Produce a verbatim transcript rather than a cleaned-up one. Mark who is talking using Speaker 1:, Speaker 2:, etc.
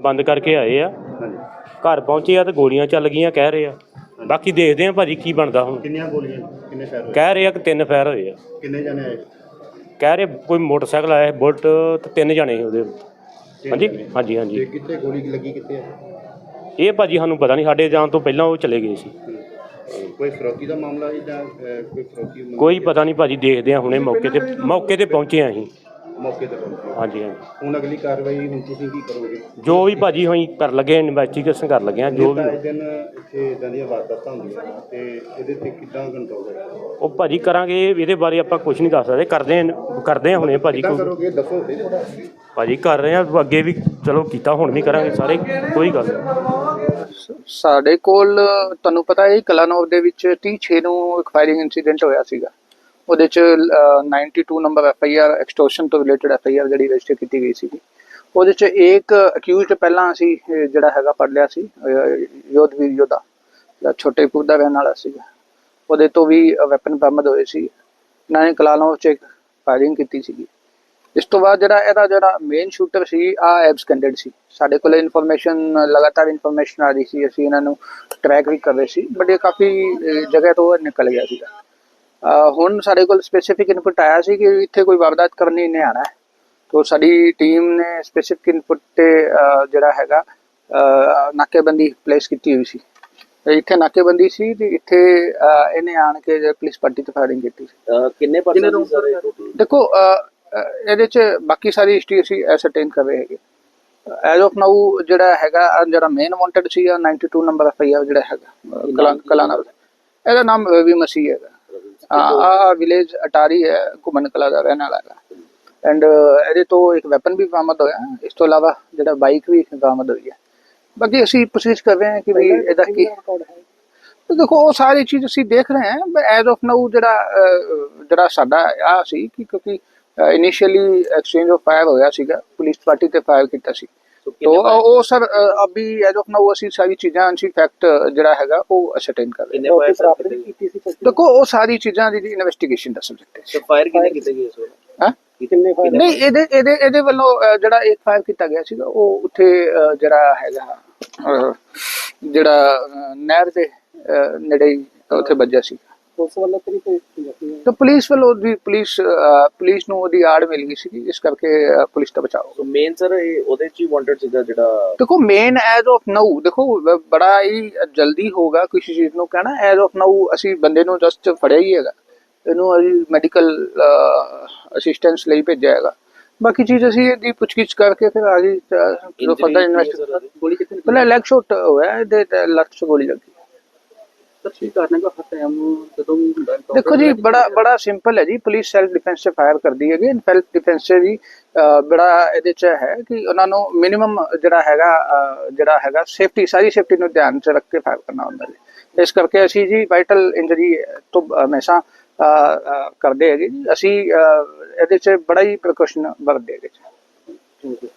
Speaker 1: ਬੰਦ ਕਰਕੇ ਆਏ ਆ। ਘਰ ਪਹੁੰਚੇ ਆ ਤੇ ਗੋਲੀਆਂ ਚੱਲ ਗਈਆਂ ਕਹਿ ਰਹੇ ਆ। ਬਾਕੀ ਦੇਖਦੇ ਆ ਭਾਜੀ ਕੀ ਬਣਦਾ ਹੁਣ।
Speaker 2: ਕਿੰਨੀਆਂ ਗੋਲੀਆਂ ਕਿੰਨੇ ਫਾਇਰ ਹੋਏ?
Speaker 1: ਕਹਿ ਰਹੇ ਆ ਕਿ ਤਿੰਨ ਫਾਇਰ ਹੋਏ ਆ।
Speaker 2: ਕਿੰਨੇ ਜਣੇ ਆਏ?
Speaker 1: ਕਹਿ ਰਹੇ ਕੋਈ ਮੋਟਰਸਾਈਕਲ ਆਇਆ ਬੁਲਟ ਤੇ ਤਿੰਨ ਜਣੇ ਸੀ ਉਹਦੇ। ਹਾਂਜੀ ਹਾਂਜੀ ਹਾਂਜੀ।
Speaker 2: ਕਿੱਥੇ ਗੋਲੀ ਲੱਗੀ ਕਿੱਥੇ ਆ?
Speaker 1: ਇਹ ਭਾਜੀ ਸਾਨੂੰ ਪਤਾ ਨਹੀਂ, ਸਾਡੇ ਜਾਣ ਤੋਂ ਪਹਿਲਾਂ ਉਹ ਚਲੇ ਗਏ ਸੀ।
Speaker 2: ਕੋਈ ਫਰੋਤੀ ਦਾ ਮਾਮਲਾ ਹੈ ਜਾਂ ਕੋਈ ਫਰੋਤੀ?
Speaker 1: ਕੋਈ ਪਤਾ ਨਹੀਂ ਭਾਜੀ, ਦੇਖਦੇ ਆ ਹੁਣੇ ਮੌਕੇ ਤੇ ਮੌਕੇ ਤੇ ਪਹੁੰਚੇ ਆ ਅਸੀਂ
Speaker 2: ਮੌਕੇ ਤੇ ਪਹੁੰਚੇ। ਹਾਂਜੀ
Speaker 1: ਹਾਂਜੀ।
Speaker 2: ਹੁਣ ਅਗਲੀ ਕਾਰਵਾਈ ਹੁਣ ਤੁਸੀਂ ਕੀ ਕਰੋਗੇ?
Speaker 1: ਜੋ ਵੀ ਭਾਜੀ ਹੋਈ ਕਰ ਲੱਗੇ, ਇਨਵੈਸਟੀਗੇਸ਼ਨ ਕਰ ਲੱਗੇ ਆ ਜੋ ਵੀ।
Speaker 2: ਦਿਨ ਇੱਥੇ ਇਦਾਂ ਦੀਆਂ ਵਾਰਦਾਤਾਂ ਹੁੰਦੀਆਂ ਤੇ ਇਹਦੇ ਤੇ ਕਿੱਦਾਂ ਕੰਟਰੋਲ ਹੋਏਗਾ?
Speaker 1: ਉਹ ਭਾਜੀ ਕਰਾਂਗੇ, ਇਹਦੇ ਬਾਰੇ ਆਪਾਂ ਕੁਝ ਨਹੀਂ ਦੱਸ ਸਕਦੇ। ਕਰਦੇ ਆ ਕਰਦੇ ਆ ਹੁਣੇ ਭਾਜੀ।
Speaker 2: ਕਰੋਗੇ ਦੱਸੋ
Speaker 1: ਭਾਜੀ ਕਰ ਰਹੇ ਆ ਅੱਗੇ ਵੀ, ਚਲੋ ਕੀਤਾ ਹੁਣ ਵੀ ਕਰਾਂਗੇ ਸਾਰੇ, ਕੋਈ ਗੱਲ ਨਹੀਂ।
Speaker 3: ਸਾਡੇ ਕੋਲ ਤੁਹਾਨੂੰ ਪਤਾ ਹੈ ਕਲਾਨੌਰ ਦੇ ਵਿੱਚ ਤੀਹ ਛੇ ਨੂੰ ਇੱਕ ਫਾਇਰਿੰਗ ਇਨਸੀਡੈਂਟ ਹੋਇਆ ਸੀਗਾ। ਉਹਦੇ ਚ ਬਾਨਵੇਂ number F I R extortion ਤੋਂ ਰਿਲੇਟਡ ਐਫ ਆਈ ਆਰ ਜਿਹੜੀ ਰਜਿਸਟਰ ਕੀਤੀ ਗਈ ਸੀ। ਉਹਦੇ ਚ ਇੱਕ ਅਕਿਊਜ਼ਡ ਪਹਿਲਾਂ ਅਸੀਂ ਜਿਹੜਾ ਹੈਗਾ ਪੜ ਲਿਆ ਸੀ, ਯੋਧਵੀਰ ਯੋਧਾ ਜਿਹੜਾ ਛੋਟੇਪੁਰ ਦਾ ਰਹਿਣ ਵਾਲਾ ਸੀਗਾ। ਉਹਦੇ ਤੋਂ ਵੀ ਵੈਪਨ ਬਰਾਮਦ ਹੋਏ ਸੀ। ਇਹਨਾਂ ਨੇ ਕਲਾਨੌਰ ਚ ਫਾਇਰਿੰਗ ਕੀਤੀ ਸੀਗੀ। ਇਸ ਤੋਂ ਬਾਅਦ ਜਿਹੜਾ ਇਹਦਾ ਜਿਹੜਾ ਮੇਨ ਸ਼ੂਟਰ ਸੀ ਆ ਐਬਸਕੈਂਡਡ ਸੀ। ਸਾਡੇ ਕੋਲ ਇਨਫੋਰਮੇਸ਼ਨ ਲਗਾਤਾਰ ਇਨਫੋਰਮੇਸ਼ਨ ਆ ਰਹੀ ਸੀ, ਅਸੀਂ ਇਹਨਾਂ ਨੂੰ ਟਰੈਕ ਵੀ ਕਰ ਰਹੇ ਸੀ, ਬਟ ਇਹ ਕਾਫੀ ਜਗ੍ਹਾ ਤੋਂ ਨਿਕਲ ਗਿਆ ਸੀਗਾ। ਹੁਣ ਸਾਡੇ ਕੋਲ ਸਪੈਸੀਫਿਕ ਇਨਪੁਟ ਆਇਆ ਸੀ ਕਿ ਇੱਥੇ ਕੋਈ ਵਾਰਦਾਤ ਕਰਨੀ ਨਹੀਂ ਆਣਾ ਹੈ, ਤਾਂ ਸਾਡੀ ਟੀਮ ਨੇ ਸਪੈਸੀਫਿਕ ਇਨਪੁਟ ਤੇ ਜਿਹੜਾ ਹੈਗਾ ਨਾਕੇਬੰਦੀ ਪਲੇਸ ਕੀਤੀ ਹੋਈ ਸੀ। ਇੱਥੇ ਨਾਕੇਬੰਦੀ ਸੀ ਤੇ ਇੱਥੇ ਇਹਨੇ ਆਣ ਕੇ ਪੁਲਿਸ ਪਾਰਟੀ ਤੇ ਫਾਇਰਿੰਗ ਕੀਤੀ ਸੀ। ਕਿੰਨੇ ਪਰਸੈਂਟ ਸਰ? ਦੇਖੋ ਇਹਦੇ ਚ ਬਾਕੀ ਸਾਰੀ ਹਿਸਟਰੀ ਅਸੀਂ ਐਸਰਟੇਨ ਕਰ ਰਹੇ ਹੈਗੇ। ਐਜ਼ ਆਫ ਨਾਊ ਜਿਹੜਾ ਹੈਗਾ ਜਿਹੜਾ ਮੇਨ ਵਾਂਟਡ ਸੀ ਬਾਨਵੇਂ ਨੰਬਰ ਐਫ ਆਈ ਆਰ ਜਿਹੜਾ ਹੈਗਾ ਕਲਾਨੌਰ, ਇਹਦਾ ਨਾਮ ਰਵੀ ਮਸੀਹ ਹੈਗਾ। ਆ ਵਿਲੇਜ ਅਟਾਰੀ ਹੈ, ਘੁੰਮਣ ਕਲਾ ਦਾ ਰਹਿਣ ਵਾਲਾ ਹੈਗਾ। ਐਂਡ ਇਹਦੇ ਤੋਂ ਇੱਕ ਵੈਪਨ ਵੀ ਬਰਾਮਦ ਹੋਇਆ। ਇਸ ਤੋਂ ਇਲਾਵਾ ਜਿਹੜਾ ਬਾਈਕ ਵੀ ਬਰਾਮਦ ਹੋਈ ਹੈ। ਬਾਕੀ ਅਸੀਂ ਕੋਸ਼ਿਸ਼ ਕਰ ਰਹੇ ਹਾਂ ਕਿ ਵੀ ਇਹਦਾ ਕੀ ਦੇਖੋ ਉਹ ਸਾਰੀ ਚੀਜ਼ ਅਸੀਂ ਦੇਖ ਰਹੇ ਹਾਂ। ਐਜ਼ ਆਫ ਨਾਊ ਜਿਹੜਾ ਜਿਹੜਾ ਸਾਡਾ ਆ ਸੀ ਕਿ ਕਿਉਂਕਿ ਇਨੀਸ਼ੀਅਲੀ ਐਕਸਚੇਂਜ ਆਫ ਫਾਇਰ ਹੋਇਆ ਸੀਗਾ, ਪੁਲਿਸ ਪਾਰਟੀ ਤੇ ਫਾਇਰ ਕੀਤਾ ਸੀ। तो वो सर अभी एज ऑफ नाउ ਅਸੀਂ ਸਾਰੀ ਚੀਜ਼ਾਂ ਅਸੀਂ ਫੈਕਟ ਜਿਹੜਾ ਹੈਗਾ ਉਹ ਅਸਰਟੇਨ ਕਰ ਰਹੇ ਹਾਂ। ਦੇਖੋ ਉਹ ਸਾਰੀ ਚੀਜ਼ਾਂ ਦੀ ਇਨਵੈਸਟੀਗੇਸ਼ਨ ਦਾ ਸਬਜੈਕਟ ਹੈ। ਫਾਇਰ ਕਿੰਨੇ ਕੀਤੇ ਗਏ ਸੋ? ਹਾਂ ਕਿੰਨੇ ਫਾਇਰ? ਨਹੀਂ ਇਹਦੇ ਇਹਦੇ ਇਹਦੇ ਵੱਲੋਂ ਜਿਹੜਾ ਇੱਕ ਫਾਇਰ ਕੀਤਾ ਗਿਆ ਸੀਗਾ ਉਹ ਉੱਥੇ ਜਿਹੜਾ ਹੈਗਾ ਜਿਹੜਾ ਨਹਿਰ ਦੇ ਨੇੜੇ ਉੱਥੇ ਵੱਜਿਆ ਸੀ। ਪੁਲਿਸ ਵੱਲੋਂ ਤਾਂ ਪੁਲਿਸ ਵੱਲੋਂ ਦੀ ਪੁਲਿਸ ਪੁਲਿਸ ਨੂੰ ਉਹਦੀ ਆੜ ਮਿਲ ਗਈ ਸੀ, ਇਸ ਕਰਕੇ ਪੁਲਿਸ ਦਾ ਬਚਾਓ।
Speaker 4: ਮੇਨ ਸਰ ਉਹਦੇ ਚ ਹੀ ਵਾਂਟਡ ਸੀਗਾ ਜਿਹੜਾ।
Speaker 3: ਦੇਖੋ ਮੇਨ ਐਜ਼ ਆਫ ਨਾਊ ਦੇਖੋ ਬੜਾ ਹੀ ਜਲਦੀ ਹੋਗਾ ਕਿਸੇ ਚੀਜ਼ ਨੂੰ ਕਹਿਣਾ। ਐਜ਼ ਆਫ ਨਾਊ ਅਸੀਂ ਬੰਦੇ ਨੂੰ ਜਸਟ ਫੜਿਆ ਹੀ ਹੈਗਾ, ਇਹਨੂੰ ਅਸੀਂ ਮੈਡੀਕਲ ਅਸਿਸਟੈਂਸ ਲਈ ਭੇਜਿਆ ਹੈਗਾ। ਬਾਕੀ ਚੀਜ਼ ਅਸੀਂ ਇਹਦੀ ਪੁੱਛਗਿੱਛ ਕਰਕੇ ਫਿਰ ਆਗੇ ਫਰਦਰ ਇਨਵੈਸਟੀਗੇਸ਼ਨ। ਗੋਲੀ ਕਿੱਥੇ? ਪਹਿਲਾਂ ਲੈਗ ਸ਼ਾਟ ਹੋਇਆ, ਇਹਦੇ ਲੱਤ 'ਚ ਗੋਲੀ ਲੱਗੀ। देखो जी बड़ा बड़ा सिंपल है जी, पुलिस सैल्फ डिफेंस से फायर कर दी है। सैल्फ डिफेंस से जी बड़ा ਇਹਦੇ ਚ ਹੈ ਕਿ ਉਹਨਾਂ ਨੂੰ ਮਿਨੀਮਮ ਜਿਹੜਾ ਹੈਗਾ ਜਿਹੜਾ ਹੈਗਾ ਸੇਫਟੀ ਸਾਰੀ ਸੇਫਟੀ ਨੂੰ ਧਿਆਨ ਚ ਰੱਖ ਕੇ ਫਾਇਰ ਕਰਨਾ ਹੁੰਦਾ ਜੀ। ਇਸ ਕਰਕੇ ਅਸੀਂ ਜੀ ਵਾਈਟਲ ਇੰਜਰੀ ਤੋਂ ਹਮੇਸ਼ਾ ਕਰਦੇ ਹੈਗੇ ਜੀ। ਅਸੀਂ ਇਹਦੇ ਚ ਬੜਾ ਹੀ ਪ੍ਰੀਕਾਸ਼ਨ ਵਰਤਦੇ ਹੈਗੇ ਜੀ।